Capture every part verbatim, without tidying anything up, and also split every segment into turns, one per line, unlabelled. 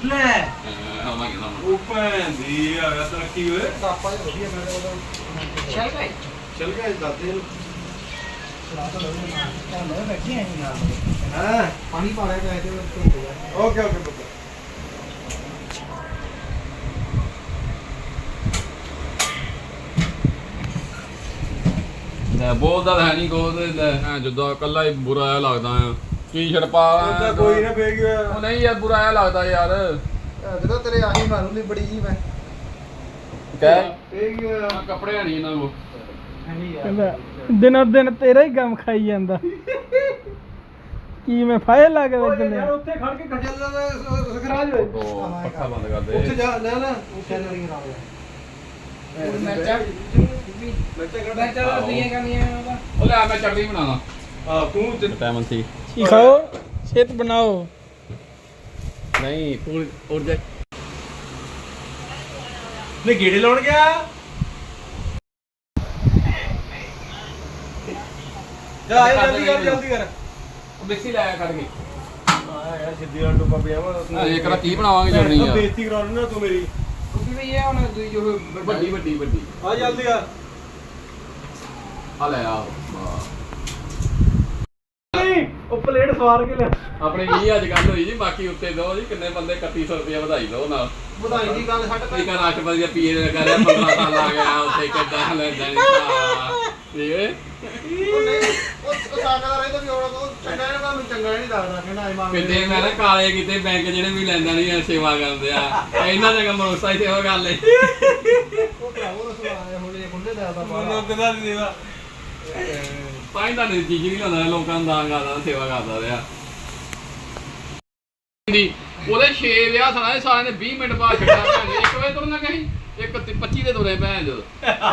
ਲੈ ਆਵਾਂਗੇ ਨਾ ਉਹ ਭੈਣ ਦੀ ਆ ਗਿਆ ਤਰੱਕੀ ਓਏ
ਆਪਾਂ ਹੀ ਵਧੀਆ ਮੈਂ ਉਹਦਾ
ਚੱਲ ਗਏ ਚੱਲ ਗਏ ਦਾਦੇ ਨੂੰ
ਚਲਾ ਤਾਂ ਲੋਨੇ ਮਾਰ ਤਾਂ ਲੋਨੇ ਬੈਠੀ ਆਈ ਨਾਲ
ਹਾਂ
ਪਾਣੀ ਪਾ ਲਿਆ ਗਏ ਤੇ
ਓਕੇ ਓਕੇ ਪੁੱਤ ਬੋਲਦਾ ਹੈ ਨਹੀਂ ਕੋਲ ਜਦੋਂ ਇਕੱਲਾ ਹੀ ਬੁਰਾ ਜਿਹਾ ਲੱਗਦਾ ਆ ਟੀ-ਸ਼ਰਟ ਪਾ ਕੋਈ ਨਾ ਫੇਕ ਗਿਆ ਉਹ ਨਹੀਂ ਯਾਰ ਬੁਰਾ ਜਿਹਾ ਲੱਗਦਾ ਯਾਰ
ਜਦੋਂ ਤੇਰੇ ਆਹੀ ਮਾਰੂ ਨਹੀਂ ਬੜੀ ਜੀ ਮੈਂ
ਕਹਿ ਫੇਕ ਗਿਆ ਕੱਪੜੇ ਨਹੀਂ ਇਹਨਾਂ ਕੋ
ਕਹਿੰਦਾ ਦਿਨੋਂ ਦਿਨ ਤੇਰਾ ਹੀ ਗਮ ਖਾਈ ਜਾਂਦਾ ਕੀ ਮੈਂ ਫਾਇਲ ਲਾ ਕੇ ਲੱਗਨੇ
ਯਾਰ ਉੱਥੇ ਖੜ ਕੇ ਖਜਲ ਦਾ ਸਖਰਾਜ ਹੋਏ
ਪੱਖਾ ਬੰਦ ਕਰ ਦੇ
ਉੱਥੇ ਜਾ ਲੈ ਲੈ ਉੱਥੇ ਨਹੀਂ ਖਰਾਬ ਹੋਇਆ
ਮਿਰਚਾਂ ਮਿਰਚਾਂ ਦਾ ਦੀਆਂ ਕਮੀਆਂ
ਉਹ ਲੈ ਮੈਂ ਚਟਨੀ ਬਣਾਣਾ ਆ ਤੂੰ ਟਾਈਮ ਸੀ
ਕੀ ਖਾਓ ਸਿਹਤ ਬਣਾਓ
ਨਹੀਂ ਤੂੰ ਉੜ ਜਾ ਲੈ ਗੇੜੇ ਲਾਉਣ ਗਿਆ ਜਾ ਆ ਜਲਦੀ ਕਰ ਜਲਦੀ ਕਰ ਮਿਕਸੀ ਲਾਇਆ ਕੱਢ ਕੇ ਆ ਯਾਰ ਸਿੱਧੀ ਵਾਲਾ ਟੋਪਾ ਪਿਆ ਵਾ ਇਹ ਕਰਾ ਕੀ ਬਣਾਵਾਂਗੇ ਚਟਨੀ ਆ ਬੇਇੱਜ਼ਤੀ ਕਰਾ ਲੈਣਾ ਤੂੰ ਮੇਰੀ
ਤੁਸੀਂ ਵੀ ਇਹ ਹੁਣ ਜੋ
ਵੱਡੀ ਵੱਡੀ ਵੱਡੀ ਆ ਜਲਦੀ ਆ ਆ ਲੈ ਆ
ਨਹੀਂ ਉਹ ਪਲੇਟ ਸਵਾਰ ਕੇ ਲੈ
ਆਪਣੇ ਵੀਹ ਅੱਜ ਗੱਲ ਹੋਈ ਜੀ ਬਾਕੀ ਉੱਤੇ ਦੋ ਜੀ ਕਿੰਨੇ ਬੰਦੇ ਇਕੱਤੀ ਸੌ ਰੁਪਏ ਵਧਾਈ ਦੋ ਨਾਲ
ਵਧਾਈ ਦੀ ਗੱਲ ਛੱਡ
ਇੱਕ ਰਾਸ਼ਟਰਪਤੀ ਦਾ ਪੀਏ ਦਾ ਕਰਿਆ ਪੰਦਰਾਂ ਸਾਲ ਆ ਗਿਆ ਉੱਥੇ ਕਿੱਦਾਂ ਲੈਂਦਾ ਨਹੀਂ ਠੀਕ ਹੈ
ਉਹ ਨਹੀਂ ਉਹ ਸਾਡਾ ਰਹਿੰਦਾ ਵੀ ਉਹ ਚੰਗਾ ਨਾ ਮੈਨੂੰ ਚੰਗਾ ਨਹੀਂ ਲੱਗਦਾ ਕਹਿੰਦਾ ਇਮਾਨ
ਕਿਤੇ ਮੈਂ ਨਾ ਕਾਲੇ ਕਿਤੇ ਬੈਂਕ ਜਿਹੜੇ ਵੀ ਲੈਂਦਾ ਨਹੀਂ ਸੇਵਾ ਕਰਦੇ ਆ ਇਹਨਾਂ ਦਾ ਕੰਮ ਰੋਸਾ ਹੀ ਸੇਵਾ ਕਰ ਲੈ
ਉਹ ਭਰਾਵੋ ਰਸਵਾ ਹੁਣ ਇਹ ਖੁੱਲੇ ਦਾ ਦਾ ਬਾਹਰ
ਕਿਦਾਂ ਦੀ ਸੇਵਾ ਪਾਇੰਦਾ ਨਹੀਂ ਚੀਜ਼ ਨਹੀਂ ਲਾਉਂਦਾ ਲੋਕਾਂ ਨੂੰ ਦਾਨ ਕਰਦਾ ਸੇਵਾ ਕਰਦਾ ਰਿਹਾ ਉਹਦੇ ਛੇ ਵਿਆਹ ਸਾਲੇ ਸਾਰਿਆਂ ਨੇ ਵੀਹ ਮਿੰਟ ਬਾਅਦ ਛੱਡਿਆ ਭੈਣ ਇੱਕ ਵਜੇ ਤੁਰਨਾ ਕਹੀਂ ਇੱਕ ਪੱਚੀ ਦੇ ਤੁਰੇ ਭੈਣ ਜਦੋਂ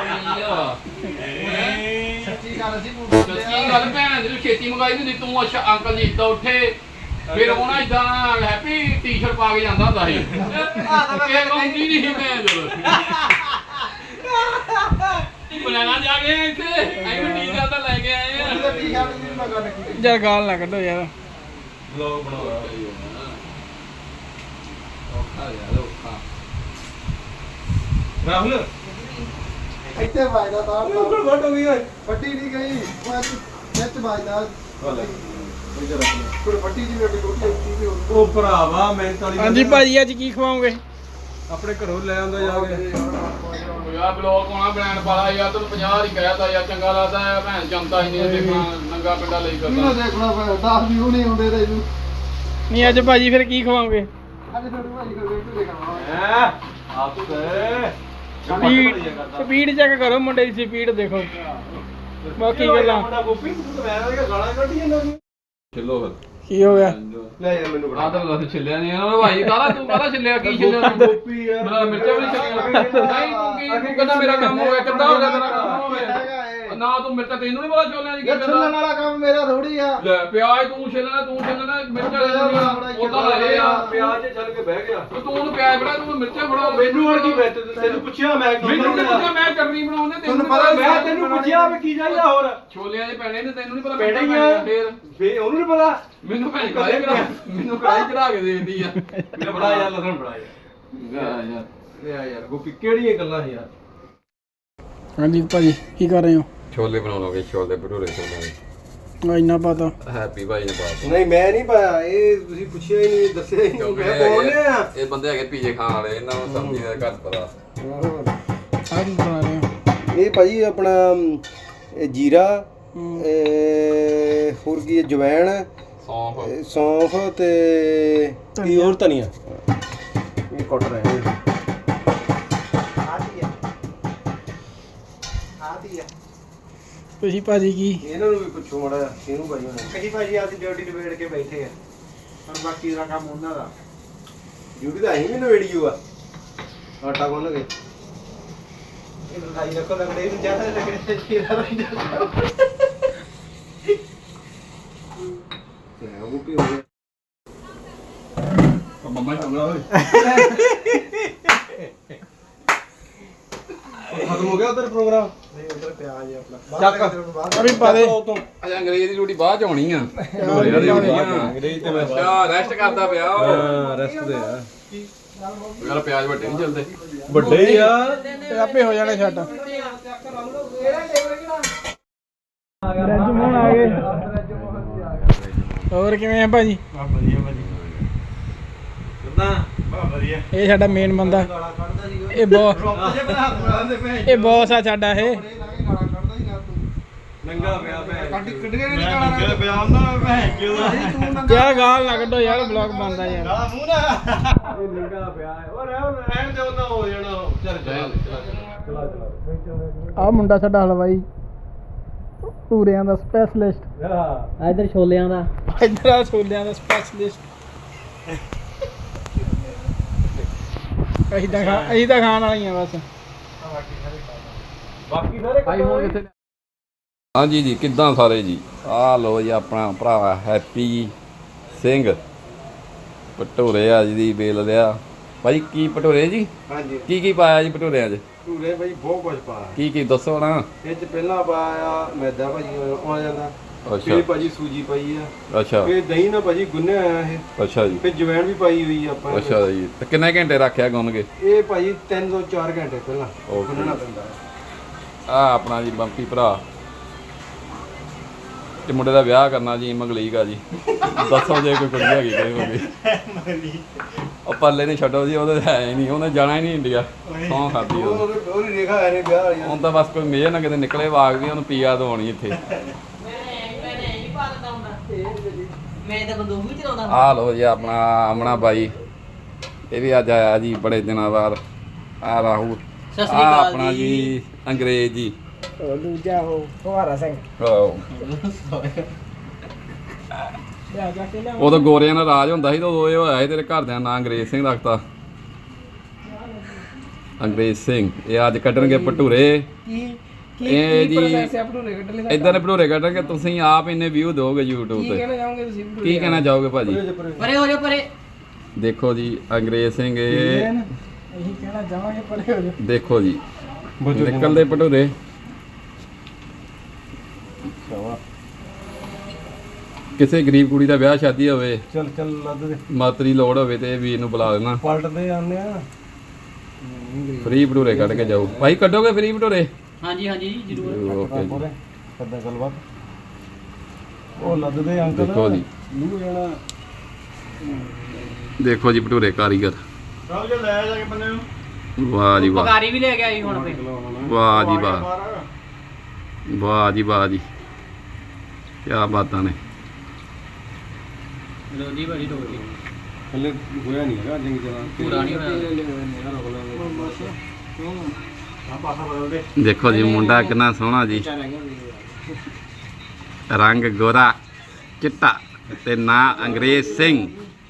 ਸੱਚੀ ਗੱਲ ਸੀ
ਸੱਚੀ ਗੱਲ ਭੈਣ ਜਦੋਂ ਛੇਤੀ ਮੰਗਾਈ ਹੁੰਦੀ ਤੂੰ ਅੱਛਾ ਅੰਕਲ ਜੀ ਇੱਦਾਂ ਉੱਠੇ ਫਿਰ ਉਹਨਾਂ ਇਦਾਂ ਹੈਪੀ ਟੀ-ਸ਼ਰਟ ਪਾ ਕੇ ਜਾਂਦਾ ਹੁੰਦਾ ਸੀ ਇਹ ਕੌਂਦੀ ਨਹੀਂ ਸੀ ਭੈਣ ਜਦੋਂ ਬਣਾਣਾ ਜਾ ਕੇ ਇੱਥੇ ਐਵੇਂ ਟੀ-ਸ਼ਰਟ ਤਾਂ ਲੈ ਕੇ ਆਏ ਆ
ਟੀ-ਸ਼ਰਟ ਵੀ ਮੈਂ ਗੱਲ ਕੀਤੀ
ਯਾਰ ਗਾਲ ਨਾ ਕੱਢੋ ਯਾਰ
ਵਲੌਗ ਬਣਾਉਣਾ ਔਖਾ ਯਾਰ ਔਖਾ ਰਾਹੁਲ
ਇੱਥੇ ਵਾਇਦਾ ਤਾਂ
ਬਿਲਕੁਲ ਵੱਟ ਹੋ ਗਈ ਓਏ
ਫੱਟੀ ਨਹੀਂ ਗਈ ਉਹ ਨੈਟ ਵਾਇਦਾ ਕੋਈ ਫੱਟੀ ਜੀ ਮੇਰੀ ਰੋਟੀ ਉੱਤੀ ਵੀ
ਉਹ ਭਰਾਵਾ ਮੈਂ ਤਾਂ
ਹਾਂਜੀ ਭਾਜੀ ਅੱਜ ਕੀ ਖਵਾਓਗੇ
ਆਪਣੇ ਘਰੋਂ ਲੈ ਆਉਂਦਾ ਜਾ ਕੇ ਯਾਰ ਬਲੌਗ ਪਾਉਣਾ ਬ੍ਰਾਂਡ ਵਾਲਾ ਯਾਰ ਤੈਨੂੰ ਪੰਜਾਹ ਹੀ ਕਹਿਤਾ ਯਾਰ ਚੰਗਾ ਲੱਗਦਾ ਹੈ ਭੈਣ ਜਨਤਾ ਹੀ ਨਹੀਂ ਦੇਖਣਾ ਨੰਗਾ ਪਿੰਡਾ ਲਈ
ਕਿਹਨੂੰ
ਕਰਦਾ
ਦੇਖਣਾ ਫਿਰ ਦਸ ਵੀਊ ਨਹੀਂ ਹੁੰਦੇ ਤੇ ਇਹਨੂੰ
ਨਹੀਂ ਅੱਜ ਭਾਜੀ ਫਿਰ ਕੀ ਖਵਾਓਗੇ
ਅੱਜ ਤੁਹਾਡੀ ਭਾਜੀ ਕੋਲ ਵੇਖ ਦੇਖਣਾ
ਹੈ ਆ ਤੂੰ ਦੇ
ਸਪੀਡ ਸਪੀਡ ਚੈੱਕ ਕਰੋ ਮੁੰਡੇ ਦੀ ਸਪੀਡ ਦੇਖੋ ਬਾਕੀ ਗੱਲਾਂ
ਮੁੰਡਾ ਗੋਪੀ ਤੂੰ ਤਾਂ ਮੈਂ ਉਹਦੀਆਂ ਗਾਲਾਂ ਕੱਢੀ ਜਾਂਦਾ ਚਲੋ ਫਿਰ
ਕੀ ਹੋ ਗਿਆ
ਲੈ ਯਾਰ ਮੈਨੂੰ
ਆ ਤਾਂ ਦੱਸ ਛਿੱਲਿਆ ਨਹੀਂ ਉਹ ਭਾਈ ਕਾਹਦਾ ਤੂੰ ਕਾਹਦਾ ਛਿੱਲਿਆ ਕੀ ਛਿੱਲਿਆ ਤੂੰ
ਗੋਪੀ ਯਾਰ
ਮੇਰਾ ਮਿਰਚਾਂ ਵੀ ਛਿੱਲਿਆ ਨਹੀਂ ਤੂੰ ਕੀ ਤੂੰ ਕਹਿੰਦਾ ਮੇਰਾ ਕੰਮ ਹੋ ਗਿਆ ਕਿੱਦਾਂ ਹੋ ਗਿਆ ਤੇਰਾ ਕੰਮ ਹੋ ਗਿਆ ਨਾ ਤੂੰ ਮਿਰਚਾਂ ਤੈਨੂੰ ਨਹੀਂ ਪਤਾ ਛੋਲਿਆਂ ਦੀ ਕੀ
ਯਾਰ ਛੱਲਣ ਵਾਲਾ ਕੰਮ ਮੇਰਾ ਥੋੜੀ ਆ
ਲੈ ਪਿਆਜ਼ ਤੂੰ ਛਿੱਲਣਾ ਤੂੰ ਛਿੱਲਣਾ ਮਿਰਚਾਂ ਉਹਦਾ ਲੈ ਆ
ਪਿਆਜ਼ ਛੱਲ ਕੇ ਬਹਿ ਗਿਆ
ਤੂੰ ਉਹਨੂੰ ਪਿਆਜ਼ ਫੜਾ ਤੂੰ ਮਿਰਚਾਂ ਫੜਾ
ਮੈਨੂੰ ਹੁਣ ਕੀ ਬੈਠ ਤੈਨੂੰ ਪੁੱਛਿਆ ਮੈਂ
ਮੈਨੂੰ ਨਹੀਂ ਪਤਾ ਮੈਂ ਚਟਨੀ ਬਣਾਉਂਦੇ
ਤੈਨੂੰ ਪਤਾ ਮੈਂ ਤੈਨੂੰ ਪੁੱਛਿਆ ਵੀ ਕੀ ਚਾਹੀਦਾ ਹੋਰ
ਛੋਲਿਆਂ ਦੇ ਪੈਣੇ ਨੇ ਤੈਨੂੰ ਨਹੀਂ ਪਤਾ
ਪੈਣੇ ਹੀ ਆ।
ਫੇਰ
ਫੇ ਉਹਨੂੰ ਨਹੀਂ ਪਤਾ
ਮੈਨੂੰ ਭੈਣ ਕੜਾਈ ਚੜਾ ਮੈਨੂੰ ਕੜਾਈ ਚੜਾ ਕੇ ਦੇ ਦਿੰਦੀ ਆ
ਮੇਰਾ ਬੜਾ ਯਾਰ ਲਸਣ ਬੜਾ ਯਾਰ
ਯਾਰ ਯਾਰ
ਲੈ ਯਾਰ ਗੋਪੀ ਕਿਹੜੀਆਂ ਗੱਲਾਂ ਯਾਰ
ਹਾਂਜੀ ਭਾਜੀ ਕੀ ਕਰ ਰਹੇ ਹੋ
ਛੋਲੇ ਬਣਾਉਣਗੇ ਛੋਲੇ ਭਟੂਰੇ ਛੋਲੇ
ਆ ਇੰਨਾ ਪਤਾ
ਹੈਪੀ ਭਾਈ ਨੇ ਬਾਤ
ਨਹੀਂ ਮੈਂ ਨਹੀਂ ਪਾਇਆ ਇਹ ਤੁਸੀਂ ਪੁੱਛਿਆ ਹੀ ਨਹੀਂ ਦੱਸਿਆ ਹੀ ਨਹੀਂ ਮੈਂ ਬੋਲਨੇ ਆ
ਇਹ ਬੰਦੇ ਹੈਗੇ ਪੀਜੇ ਖਾਣ ਵਾਲੇ ਇਹਨਾਂ ਨੂੰ ਸਬਜ਼ੀ ਦਾ ਘੱਟ ਪਤਾ
ਆ ਕੀ ਬਣਾ ਰਹੇ ਹੋ
ਇਹ ਭਾਜੀ ਆਪਣਾ ਇਹ ਜੀਰਾ ਇਹ ਹੋਰ ਕੀ ਹੈ ਜਵੈਣ
ਸੌਂਫ
ਇਹ ਸੌਂਫ ਤੇ ਕੀ ਹੋਰ ਧਨੀਆ ਇਹ ਕੱਟ ਰਹੇ ਨੇ ਆਦੀ ਆ ਆਦੀ ਆ
ਤੁਸੀਂ ਭਾਜੀ ਕੀ
ਇਹਨਾਂ ਨੂੰ ਵੀ ਪੁੱਛੋ ਮੜਾ ਇਹਨੂੰ ਭਾਈ ਹੁਣ ਕਹੀ ਭਾਜੀ ਅਸੀਂ ਡਿਊਟੀ ਨਿਬੇੜ ਕੇ ਬੈਠੇ ਆ ਹੁਣ ਬਾਕੀ ਦਾ ਕੰਮ ਉਹਨਾਂ ਦਾ ਡਿਊਟੀ ਤਾਂ ਅਸੀਂ ਵੀ ਨਿਬੇੜੀਓ ਆ ਆਟਾ ਗੁੰਨ ਕੇ ਇਹ ਲੜਾਈ ਰੱਖੋ ਲੱਗਦੇ ਇਹਨੂੰ ਜ਼ਿਆਦਾ ਲੱਗਦੇ ਚੀਰਾ ਰਹਿੰਦਾ ਤੇ ਉਹ ਵੀ ਹੋ ਗਿਆ
ਮੰਮਾ ਚੰਗਾ ਹੋਏ
ਖਤਮ ਹੋ ਗਿਆ ਉਧਰ ਪ੍ਰੋਗਰਾਮ ਨਹੀਂ ਉਧਰ ਪਿਆ ਜੀ ਆਪਣਾ ਚੱਕ
ਅਭੀ ਪਾ ਦੇ
ਅਜਾ ਅੰਗਰੇਜ਼ ਦੀ ਰੋਟੀ ਬਾਅਦ ਚ ਆਉਣੀ ਆ
ਅੰਗਰੇਜ਼ ਤੇ ਮੈਂ
ਅੱਛਾ ਰੈਸਟ ਕਰਦਾ ਪਿਆ ਉਹ
ਹਾਂ ਰੈਸਟ ਦੇ ਆ
ਯਾਰ ਪਿਆਜ਼ ਵੱਡੇ ਨਹੀਂ ਚੱਲਦੇ
ਵੱਡੇ ਹੀ ਆ
ਤੇ ਆਪੇ ਹੋ ਜਾਣੇ ਛੱਟ ਰਜਮੋਨ ਆ ਗਏ ਹੋਰ ਕਿਵੇਂ ਆ ਭਾਜੀ
ਵਧੀਆ ਵਧੀਆ ਕਿੱਦਾਂ ਬਾ ਵਧੀਆ
ਇਹ ਸਾਡਾ ਮੇਨ ਬੰਦਾ ਇਹ ਬੌਸ ਇਹ ਬੌਸ ਆ ਸਾਡਾ ਇਹ
ਨੰਗਾ ਪਿਆ ਭੈਣ ਕੱਢ ਕੱਢ ਕੇ ਨਹੀਂ ਕਾਲਾ ਨੰਗਾ ਪਿਆ ਉਹਨਾਂ ਭੈਣ ਕਿਉਂ
ਯਾਰ ਗਾਲ ਨਾ ਕੱਢੋ ਯਾਰ ਵਲੌਗ ਬਣਦਾ ਯਾਰ
ਕਾਲਾ ਮੂੰਹ ਨਾ ਇਹ ਨੰਗਾ ਪਿਆ ਓ ਰਹਿਣ ਰਹਿਣ ਦੇ ਉਹਨਾਂ ਹੋ ਜਾਣਾ ਚੱਲ ਚੱਲ ਚਲਾ ਚਲਾ
ਆ ਮੁੰਡਾ ਸਾਡਾ ਹਲਵਾਈ ਪੂਰਿਆਂ ਦਾ ਸਪੈਸ਼ਲਿਸਟ
ਹਾਂ
ਇਧਰ ਛੋਲਿਆਂ ਦਾ ਇਧਰ ਆ ਛੋਲਿਆਂ ਦਾ ਸਪੈਸ਼ਲਿਸਟ ਅਸੀਂ ਤਾਂ ਖਾ ਅਸੀਂ ਤਾਂ ਖਾਣ ਵਾਲੀਆਂ ਬਸ
ਬਾਕੀ ਸਾਰੇ
ਭਾਈ ਹੁਣ ਕਿੱਥੇ ਹਾਂਜੀ ਜੀ ਕਿੱਦਾਂ ਸਾਰੇ ਜੀ ਆਹ ਲੋ ਜੀ ਆਪਣਾ ਭਰਾ ਹੈਪੀ ਸਿੰਘ ਭਟੂਰੇ ਆ ਜੀ ਬੇਲ ਲਿਆ ਭਾਈ ਕੀ ਭਟੂਰੇ ਜੀ
ਹਾਂਜੀ
ਕੀ ਕੀ ਪਾਇਆ ਜੀ ਭਟੂਰਿਆਂ 'ਚ
ਟੂਰੇ ਭਾਈ ਬਹੁਤ ਕੁਝ ਪਾਇਆ
ਕੀ ਕੀ ਦੱਸੋ ਨਾ
ਇਹ ਚ ਪਹਿਲਾਂ ਪਾਇਆ ਮੈਦਾ ਭਾਜੀ ਆ ਜਾਂਦਾ
ਅੱਛਾ
ਫਿਰ ਭਾਜੀ ਸੂਜੀ ਪਾਈ ਆ
ਅੱਛਾ
ਫਿਰ ਦਹੀਂ ਨਾਲ ਭਾਜੀ ਗੁੰਨਿਆ ਆਇਆ ਇਹ
ਅੱਛਾ ਜੀ
ਫਿਰ ਜਵੈਣ ਵੀ ਪਾਈ ਹੋਈ ਆ ਆਪਾਂ
ਅੱਛਾ ਜੀ ਤੇ ਕਿੰਨੇ ਘੰਟੇ ਰੱਖਿਆ ਗੁੰਨ ਕੇ
ਇਹ ਭਾਜੀ ਤਿੰਨ ਤੋਂ ਚਾਰ ਘੰਟੇ ਪਹਿਲਾਂ
Okay.
ਗੁੰਨਣਾ ਪੈਂਦਾ
ਆ ਆਪਣਾ ਜੀ ਬੰਪੀ ਭਰਾ ਤੇ ਮੁੰਡੇ ਦਾ ਵਿਆਹ ਕਰਨਾ ਜੀ ਮੰਗਲੀਕ ਆ ਜੀ ਦੱਸੋ ਜੇ ਕੋਈ ਕੁੜੀ ਹੈਗੀ ਕੋਈ ਹੋਵੇ ਉਹ ਪੱਲੇ ਨਹੀਂ ਛੱਡੋ ਜੀ ਉਹਦੇ ਹੈ ਹੀ ਨਹੀਂ ਉਹਨੇ ਜਾਣਾ ਹੀ ਨਹੀਂ ਇੰਡੀਆ ਸੌਂ ਖਾਦੀ ਉਹ
ਉਹ ਉਹਦੀ ਰੇਖਾ ਹੈ ਨਹੀਂ ਵਿਆਹ ਵਾਲੀ
ਹੁਣ ਤਾਂ ਬਸ ਕੋਈ ਮੇਜ ਨਾ ਕਿਤੇ ਨਿਕਲੇ ਵਾਗ ਵੀ ਉਹਨੂੰ ਪੀਆ ਦਵਾਉਣੀ ਇੱਥੇ
ਮੈਂ ਤਾਂ ਬੰਦੂਕ ਵੀ ਚਲਾਉਂਦਾ
ਆਹ ਲੋ ਜੀ ਆਪਣਾ ਆਮਣਾ ਬਾਈ ਇਹ ਵੀ ਅੱਜ ਆਇਆ ਜੀ ਬੜੇ ਦਿਨਾਂ ਬਾਅਦ ਆ ਰਾਹੁਲ
ਸਤਿ ਸ੍ਰੀ
ਆਹ
ਅਕਾਲ
ਆਪਣਾ ਜੀ ਅੰਗਰੇਜ਼ ਜੀ
ਉਹ ਦੂਜਾ ਉਹ ਫੁਹਾਰਾ ਸਿੰਘ
ਆਹੋ।
ਲਿਆ ਜਾ ਕੇ ਲਿਆ
ਉਦੋਂ ਗੋਰਿਆਂ ਦਾ ਰਾਜ ਹੁੰਦਾ ਸੀ ਤਾਂ ਉਦੋਂ ਇਹ ਹੋਇਆ ਸੀ ਤੇਰੇ ਘਰਦਿਆਂ ਨਾਂ ਅੰਗਰੇਜ਼ ਸਿੰਘ ਰੱਖਤਾ ਅੰਗਰੇਜ਼ ਸਿੰਘ ਇਹ ਅੱਜ ਕੱਢਣਗੇ ਭਟੂਰੇ
ਕੀ
ਇਹ ਜੀ
ਪ੍ਰੋਸੈਸ ਹੈ ਭਟੂਰੇ ਕੱਢਣ ਦਾ
ਇਦਾਂ ਦੇ ਭਟੂਰੇ ਕੱਢਣਗੇ ਤੁਸੀਂ ਆਪ ਇੰਨੇ ਵਿਊ ਦਿਓਗੇ YouTube
ਕੀ
ਤੇ
ਕਹਿਣਾ ਚਾਹੋਗੇ ਤੁਸੀਂ ਭਟੂਰੇ
ਕੀ ਕਹਿਣਾ ਚਾਹੋਗੇ ਭਾਜੀ
ਪਰੇ ਹੋ ਜਾ ਪਰੇ
ਦੇਖੋ ਜੀ ਅੰਗਰੇਜ਼ ਸਿੰਘ ਇਹ
ਇਹੀ ਕਹਿਣਾ ਚਾਹਾਂਗੇ ਪਰੇ ਹੋ ਜਾ
ਦੇਖੋ ਜੀ ਨਿਕਲਦੇ ਭਟੂਰੇ ਕਿਸੇ ਗਰੀਬ ਕੁੜੀ ਦਾ ਵਿਆਹ ਸ਼ਾਦੀ ਹੋਵੇ
ਚੱਲ ਚੱਲ ਲੱਦ ਦੇ
ਮਾਤਰੀ ਲੋੜ ਹੋਵੇ ਤੇ ਇਹ ਵੀਰ ਨੂੰ ਬੁਲਾ ਦੇਣਾ
ਪਲਟਦੇ ਆਉਂਦੇ ਆ
ਫ੍ਰੀ ਭਟੂਰੇ ਕੱਢ ਕੇ ਜਾਓ ਭਾਈ ਕੱਢੋਗੇ ਫ੍ਰੀ ਭਟੂਰੇ
ਹਾਂਜੀ ਹਾਂਜੀ ਜੀ ਜ਼ਰੂਰ
ਓਕੇ ਜੀ
ਕਰਦਾ ਗੱਲਬਾਤ ਉਹ ਲੱਦਦੇ ਅੰਕਲ
ਦੇਖੋ ਜੀ
ਨੂੰ ਜਾਣਾ
ਦੇਖੋ ਜੀ ਭਟੂਰੇ ਕਾਰੀਗਰ
ਚੱਲ ਜੇ ਲੈ ਜਾ ਕੇ ਬੰਦੇ ਨੂੰ
ਵਾਹ ਜੀ ਵਾਹ
ਪਕਾਰੀ ਵੀ ਲੈ ਕੇ ਆਈ ਹੁਣ ਫੇ
ਵਾਹ ਜੀ ਵਾਹ ਵਾਹ ਜੀ ਵਾਹ ਜੀ ਕੀ ਬਾਤਾਂ ਨੇ
ਲੋ ਜੀ ਬੜੀ ਹੋ ਗਈ
ਹਲੇ ਹੋਇਆ ਨਹੀਂ ਹੈਗਾ ਜੰਗੀ ਜਲਾ
ਪੂਰਾ ਨਹੀਂ ਹੋਇਆ
ਆ ਪਾਸਾ ਬਦਲ ਦੇ
ਦੇਖੋ ਜੀ ਮੁੰਡਾ ਕਿੰਨਾ ਸੋਹਣਾ ਜੀ ਰੰਗ ਗੋਰਾ ਚਿੱਟਾ ਤੇ ਨਾਂ ਅੰਗਰੇਜ਼ ਸਿੰਘ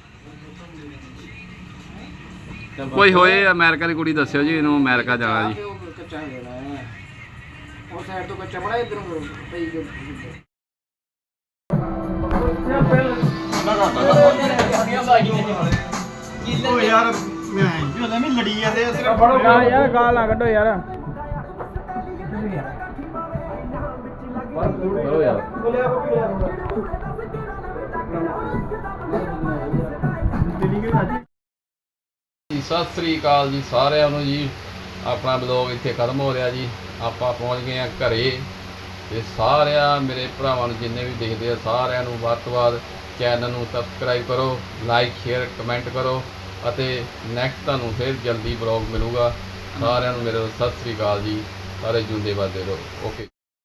ਕੋਈ ਹੋਏ ਅਮਰੀਕਾ ਦੀ ਕੁੜੀ ਦੱਸਿਓ ਜੀ ਇਹਨੂੰ ਅਮਰੀਕਾ ਜਾਣਾ ਜੀ
ਕੱਚਾ ਦੇਣਾ ਹੈ ਉਹ ਸਾਈਡ ਤੋਂ ਕੱਚਾ ਬੜਾ ਇਧਰ ਪਈ
ਓ ਯਾਰ ਮੈਂ ਜੋ ਲੈ ਲੜੀ ਜਾਂਦੇ ਆ ਸਿਰਫ
ਯਾਰ ਯਾਰ ਗਾਲ ਨਾ ਕੱਢੋ ਯਾਰ
ਕਰੋ ਯਾਰ ਸਤਿ ਸ੍ਰੀ ਅਕਾਲ ਜੀ ਸਾਰਿਆਂ ਨੂੰ ਜੀ ਆਪਣਾ ਬਲੌਗ ਇੱਥੇ ਖਤਮ ਹੋ ਰਿਹਾ ਜੀ ਆਪਾਂ ਪਹੁੰਚ ਗਏ ਆ ਘਰੇ ਤੇ ਸਾਰਿਆਂ ਮੇਰੇ ਭਰਾਵਾਂ ਨੂੰ ਜਿੰਨੇ ਵੀ ਦੇਖਦੇ ਆ ਸਾਰਿਆਂ ਨੂੰ ਵੱਧ ਤੋਂ ਵੱਧ ਚੈਨਲ ਨੂੰ ਸਬਸਕ੍ਰਾਈਬ ਕਰੋ ਲਾਈਕ ਸ਼ੇਅਰ ਕਮੈਂਟ ਕਰੋ ਅਤੇ ਨੈਕਸਟ ਤੁਹਾਨੂੰ ਫਿਰ ਜਲਦੀ ਬਲੌਗ ਮਿਲੂਗਾ ਸਾਰਿਆਂ ਨੂੰ ਮੇਰੇ ਸਤਿ ਸ੍ਰੀ ਅਕਾਲ ਜੀ ਸਾਰੇ ਜੁੰਦੇ ਵੱਧਦੇ ਰਹੋ ਓਕੇ